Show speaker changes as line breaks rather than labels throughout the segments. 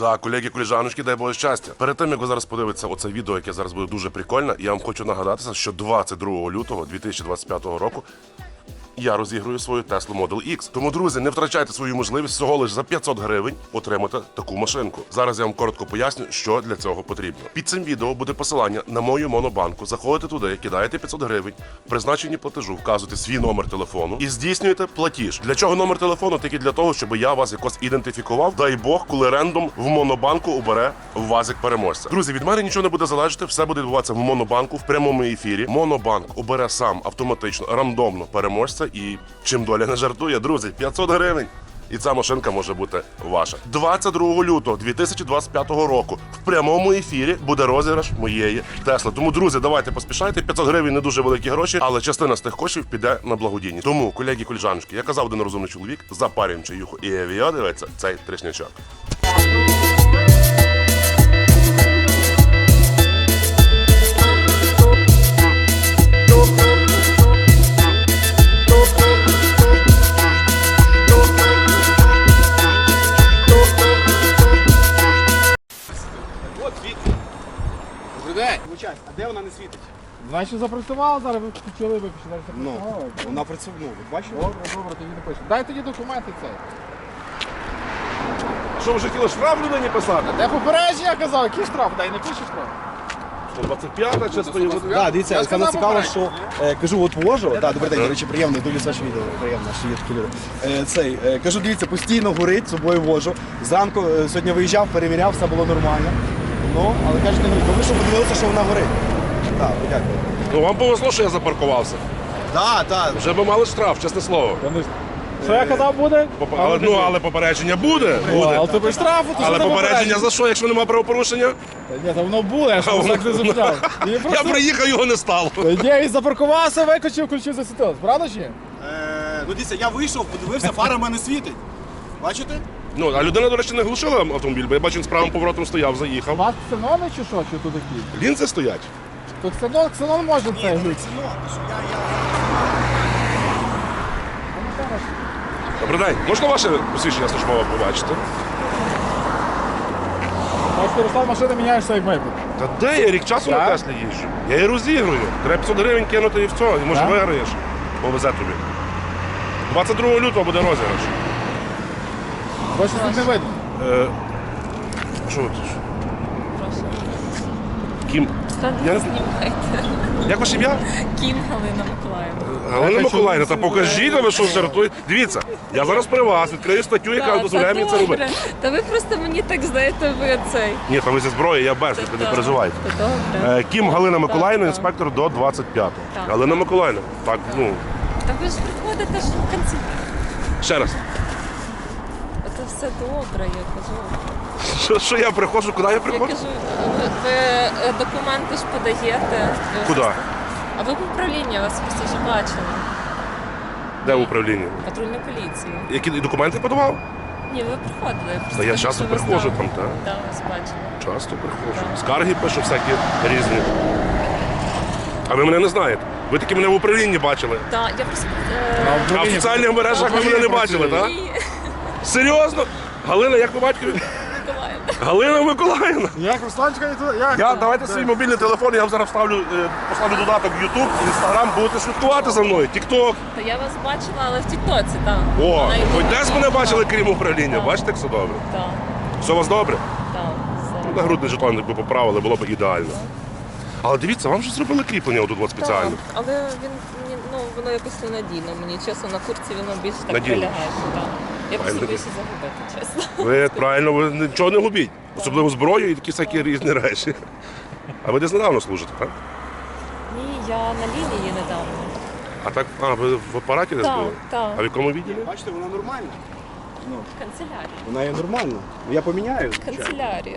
Так, колеги, колежаночки, дай Боже щастя. Перед тим, як ви зараз подивитеся оце відео, яке зараз буде дуже прикольне, я вам хочу нагадатися, що 22 лютого 2025 року я розіграю свою Tesla Model X. Тому, друзі, не втрачайте свою можливість всього лише за 500 гривень отримати таку машинку. Зараз я вам коротко поясню, що для цього потрібно. Під цим відео буде посилання на мою монобанку. Заходите туди, кидаєте 500 гривень, в призначенні платежу вказуєте свій номер телефону і здійснюєте платіж. Для чого номер телефону? Тільки для того, щоб я вас якось ідентифікував. Дай Бог, коли рендом в монобанку обере вазик переможця. Друзі, від мене нічого не буде залежати, все буде відбуватися в монобанку в прямому ефірі. Монобанк обере сам автоматично, рандомно переможця. І чим доля не жартує, друзі, 500 гривень. І ця машинка може бути ваша. 22 лютого 2025 року в прямому ефірі буде розіграш моєї Тесли. Тому, друзі, давайте поспішайте. 500 гривень не дуже великі гроші, але частина з тих коштів піде на благодійність. Тому, колеги, колежаночки, я казав, один розумний чоловік, запарюємо чаюху і авіа дивиться цей тришнячок.
А де вона не світить?
Значить запрацювала зараз, ви включили, ви пішли
Ну,
запрацювала.
вона працює, ну, ви бачите?
Добре, тоді напишемо. Дай тоді документи цей.
Що, ви вже хотіли штраф людині писати?
Де попередження, я казав, який штраф? Дай не пишеш штраф.
125-та чи стоїть?
Так, дивіться,
Я
саме
сказав
цікаво, що кажу, от вожу, добрий день,
Ага.
до речі, приємно, дивлюсь ваше відео, приємно, що є такі люди. Кажу, дивіться, постійно горить, з собою вожу. Зранку сьогодні виїжджав, перевіряв, все було нормально. Ну, але кажуть, не горить. Тому що подивилися, що вона горить. Так, дякую.
Ну, вам повезло, що я запаркувався.
Так, так.
Вже би мали штраф, чесне слово.
Що я казав буде?
Але попередження буде.
Але ти без штрафу, то
Але
що
попередження за що, якщо немає правопорушення?
Ні, та воно було, я ж вас так не зупиняв.
Я приїхав, його не стало.
Ні, він запаркувався, викочив, включив, засвітилось. Правда чи ні?
Ну, дивіться, я вийшов, подивився, фара в мене світить. Бачите?
Ну, а людина, до речі, не глушила автомобіль, бо я бачу, він з правим поворотом стояв,
У
заїхав.
вас ксенони чи що? Чи тут які?
Лінзи стоять.
Тут ксенон може це глюк.
Добрий день. Можна ваше посвідчення службове побачити?
Бачите, Руслан, машини міняєшся як майбутнє.
Та де я рік часу на
Так?
Теслі їжджу? Я її розігрую. Треба 500 гривень кинути і все, і може
Так?
виграєш. Повезе тобі. 22 лютого буде розіграш.
Бачите, тут не видно.
Що ви тут?
Прошу.
Кім?
Та
Я
не
не-
знімайте.
Як ваше ім'я?
Кім Галина Миколаївна.
Галина
Я
Миколаївна, та
хочу
покажіть, ви що жартуєте. Дивіться, я зараз при вас відкрию статтю, яка дозволяє мені це робити.
Та ви просто мені так знаєте, ви цей.
Ні, там ви зі зброєю, я без, ви не переживайте.
Та добре.
Кім Галина Миколаївна,
Так,
інспектор до 25-го.
Так.
Галина Миколаївна, так, ну,
Та ви ж приходите ж в кінці.
ще раз.
Це все добре, я кажу.
Що я приходжу, куди я
Я
приходжу?
кажу, ви документи ж подаєте. Ви
Куди?
просто- А ви в управлінні, вас просто вже бачили.
Де в управлінні?
Патрульна поліція.
Які документи подавав?
Ні, ви приходили.
Та
просто
я
кажу,
часто
що ви
приходжу
знали.
там, так.
Так, вас бачили.
Часто приходжу.
Так.
Скарги пишу всякі різні. А ви мене не знаєте. Ви таки мене в управлінні бачили.
Так, я просто...
А в соціальних мережах ви мене не бачили, так?
Ні,
Серйозно? Галина, як ви батькові?
Миколаївна.
Галина Миколаївна.
Як Русланчика і туди? Як?
Давайте свій мобільний телефон, я вам зараз поставлю додаток в YouTube, Instagram, будете слідкувати за мною. TikTok.
Та я вас бачила, але в Тіктоці, так.
О,
На
хоч
Ютубі.
десь мене бачили, крім управління.
Так.
Бачите, як все добре?
Так,
Все у вас добре?
так. все.
Ну, нагрудний жетон, якби поправили, було б ідеально. Але дивіться, вам вже зробили кріплення отут от спеціально.
Так, але він мені, ну, воно якось ненадійно. Мені чесно, на курці воно більше так
Надійно.
прилягає. Так. Я просто
Правильно.
боюся загубити, чесно.
Ви правильно, ви нічого не губіть. Особливо зброю і такі всякі різні речі. А ви десь недавно служите, так?
Ні, я на лінії недавно.
А так, ви в апараті десь
Так,
були?
так.
А в якому відділі?
Бачите, вона нормальна.
В канцелярії.
Вона є нормальна. Я поміняю.
Канцелярія.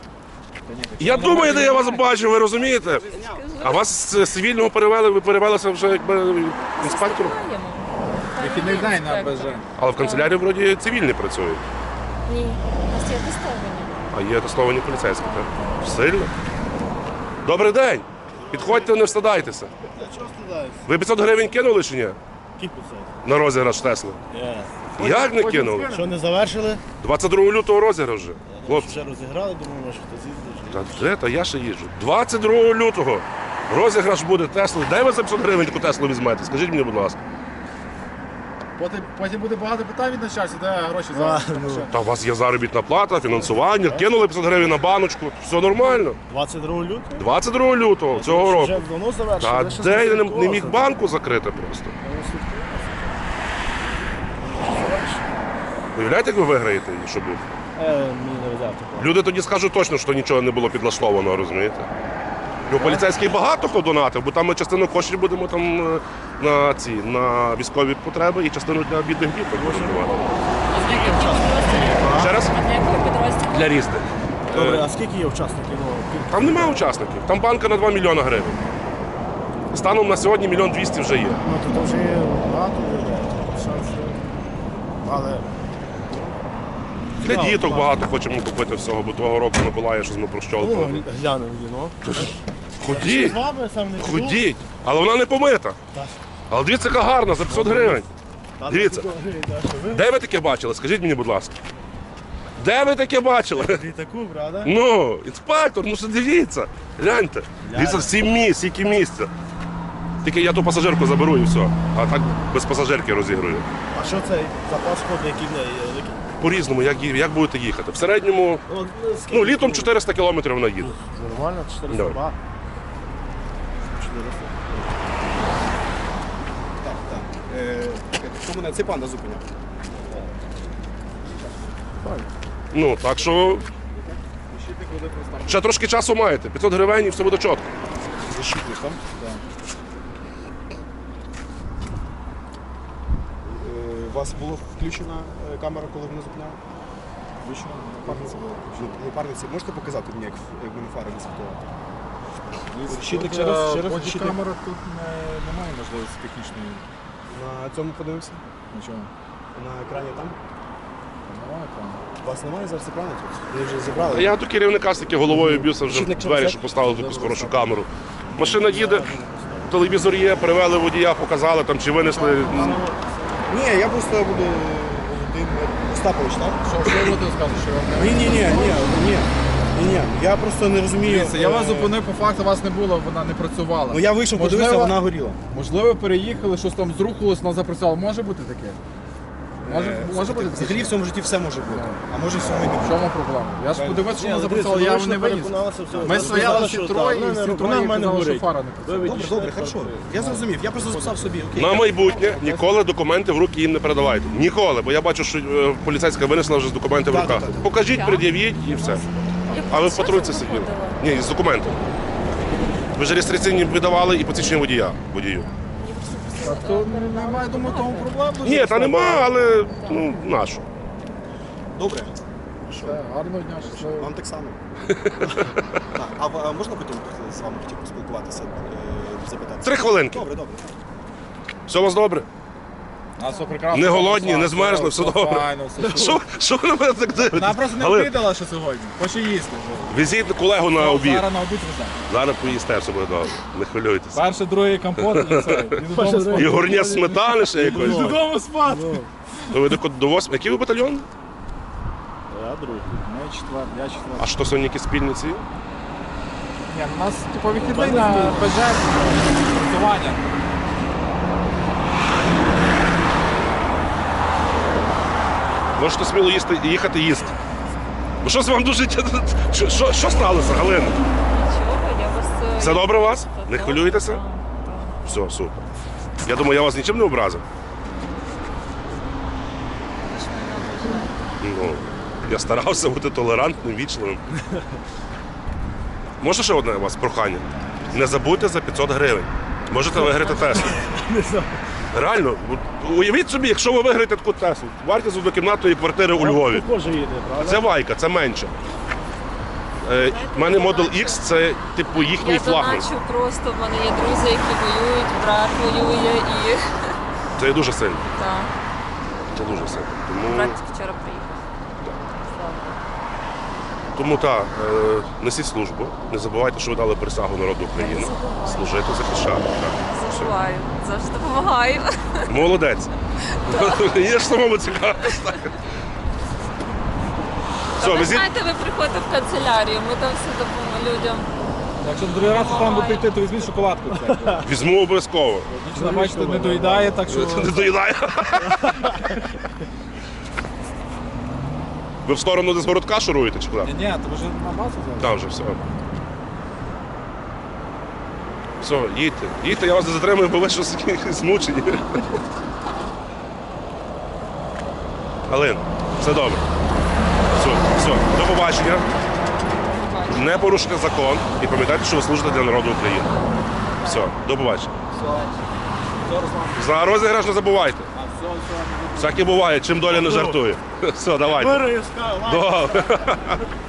Я думаю, де я вас бачу, ви розумієте? А вас з цивільного перевели, ви перевелися вже якби інспектором?
Маємо.
Вихідний день на БЖ.
Але в канцелярії вроді цивільні працюють.
Ні, у нас є тестовані.
А є тестовані поліцейські, так? Сильно? Добрий день! Підходьте, не встидайтеся.
Чого стидаєшся?
Ви 500 гривень кинули чи ні?
Кіпуса.
На розіграш Тесли? Як не кинули?
Що не завершили?
22 лютого розіграш вже. Хлопці,
Вже розіграли, думаю, може хтось їздить.
та де, та я ще їжджу. 22 лютого розіграш буде Тесли. Де ви за 500 гривень таку Теслу візьмете? Скажіть мені, будь ласка.
Потім буде багато питань від начальства, де гроші зараз.
Та у вас є заробітна плата, фінансування, кинули 500 гривень на баночку, все нормально.
22 лютого?
22 лютого цього року.
Вже давно завершили.
Та
я ще
де я не
слідкував
міг
за-
банку закрити просто.
Я не слідкував.
Уявляєте, як ви виграєте її, що буде?
Мені не везав такого.
Люди тоді скажуть точно, що нічого не було підлаштовано, розумієте? Бо поліцейський багато хто донатив, бо там ми частину коштів будемо там на військові потреби і частину для бідних діток будемо давати. Ще раз? Для різних.
Добре, а скільки є учасників?
Там немає учасників, там банка на 2 мільйона гривень. Станом на сьогодні 1 200 000 вже є.
Ну, то вже є багато людей. Шанси. Але
Для діток багато хочемо купити всього, бо того року Миколая щось ми прощолкали.
глянемо віно.
Ходіть,
З вами сам не піду.
ходіть, але вона не помита. Але дивіться, яка гарна, за 500 гривень.
Та,
Дивіться.
та, що ви
Де ви таке бачили? Скажіть мені, будь ласка. Де ви таке бачили?
в літаку, правда?
Ну, інспектор, ну що дивіться. Гляньте. Дивіться, 7 місць, скільки місця. Тільки я ту пасажирку заберу і все. А так без пасажирки розігрую.
А що цей запас ходу, який в неї є? Який?
По-різному, як будете їхати. В середньому, ну, літом 400 кілометрів вона їде.
Нормально, 400
Давай.
бат.
Хто мене цей панда зупиняв?
Ну, так що ще трошки часу маєте. 500 гривень і все буде чітко.
Защитником. У вас була включена камера, коли мене зупиняли? Включена? Напарниці була? Напарниці, можете показати мені, як мене фари не світила? Щитник ще раз, щитник.
Камера тут немає можливості технічної.
На цьому подивимося?
Нічого.
На екрані там?
Немає камери.
У вас немає зараз екрану тут? Вони вже зібрали.
Я до керівника стільки головою б'юся вже в
Щитник
двері,
чого
що поставили таку хорошу камеру. Машина їде, телевізор є, привели водія, показали там чи винесли.
Ні, я просто буду Володимир Остапович, так?
Що ви будете сказати, що вам не
Ні. Я просто не розумію.
Дивіться, я вас зупинив, по факту вас не було, вона не працювала.
Ну я вийшов, подивився,
Можливо-
вона горіла.
Можливо, переїхали, щось там зрухалось, вона запрацювала. Може бути таке? Може бути таке?
Взагалі в цьому житті все може бути. А може всього і не
В
бути.
чому проблема? Я ж подивився, що вона запрацювала, я не виїзд. Ми
Ми
стояли всі троє, і всі троє казали, що фара не працює.
Добре, хорошо. Я зрозумів. Я просто записав собі. Окей.
На майбутнє ніколи документи в руки їм не передавайте. Ніколи, бо я бачу, що поліцейська винесла вже з документи в руках. Покажіть, пред'явіть і все. А ви в патрульці сиділи? Ні, з документами. Ви ж реєстраційні видавали і посвідчення водію.
Так то немає, думаю, тому проблем.
Ні, та нема, але ну, нашу.
Добре.
Гарного дня, щасливо.
Вам так само. Так, а можна потім з вами хотів поспілкуватися, запитати?
3 хвилинки.
Добре.
Все у вас добре?
А, все прекрасно.
Не голодні, не змерзли, все добре.
Файно, все супер.
Що ви на мене так дивитесь?
Вона просто не
Але
обідала, що сьогодні. Хоче їсти.
візіть колегу на обід.
Зараз на обід веземо.
Зараз поїсте, все буде добре. Не хвилюйтесь.
Перший, другий компот і все. І додому спати.
І горня сметани ще якось.
Додому спати.
То ви до 8. Який ви батальйон?
Я другий.
Ми четвер, я четвер.
А що сьогодні якісь спільниці?
Ні, у нас типу вихідний на ПЖ працювання.
Можете сміло їхати їсти. Бо щось вам дуже. Що сталося, Галина?
Нічого, я вас...
Все добре у вас?
Та
Не
так,
хвилюєтеся?
так, так.
Все, супер. Я думаю, я вас нічим не образив.
Ви ж мене ображаєте.
Ну, я старався бути толерантним, вічливим. Може ще одне у вас прохання? Не забудьте за 500 гривень. Можете виграти Теслу. Реально, уявіть собі, якщо ви виграєте таку Теслу, вартість однокімнатної квартири у Львові.
Також їде, правда?
Це Вайка, це менше. У мене Model X це типу їхній
Я
флагман.
доначу просто, в мене є друзі, які воюють, брат воює і...
Це є дуже сильно.
Так,
Це дуже сильно. Тому,
брат вчора приїхав.
тому так, несіть службу. Не забувайте, що ви дали присягу народу України. Служити, захищати. Так. Все.
Забуваю, завжди допомагаю.
Молодець. Є ж самому цікаво. Все,
Ви
везіть.
знаєте, ви приходите в канцелярію, ми там все допоможемо людям.
Якщо другий раз там буде йти, то візьміть шоколадку.
Візьму обов'язково.
Дівчина, бачите, не доїдає, так що...
Не доїдає. Ви в сторону десь городка шуруєте чи куди?
Ні, то вже на базу зараз.
Там вже все. Все, їдьте. Їдьте, я вас не затримую, бо ви щось змучені. Галин, все добре. Все, до побачення. Не порушуйте закон і пам'ятайте, що ви служите для народу України. Все, до побачення. За розіграш не забувайте. Всяке буває, чим доля не жартує. Все, давайте. Добре.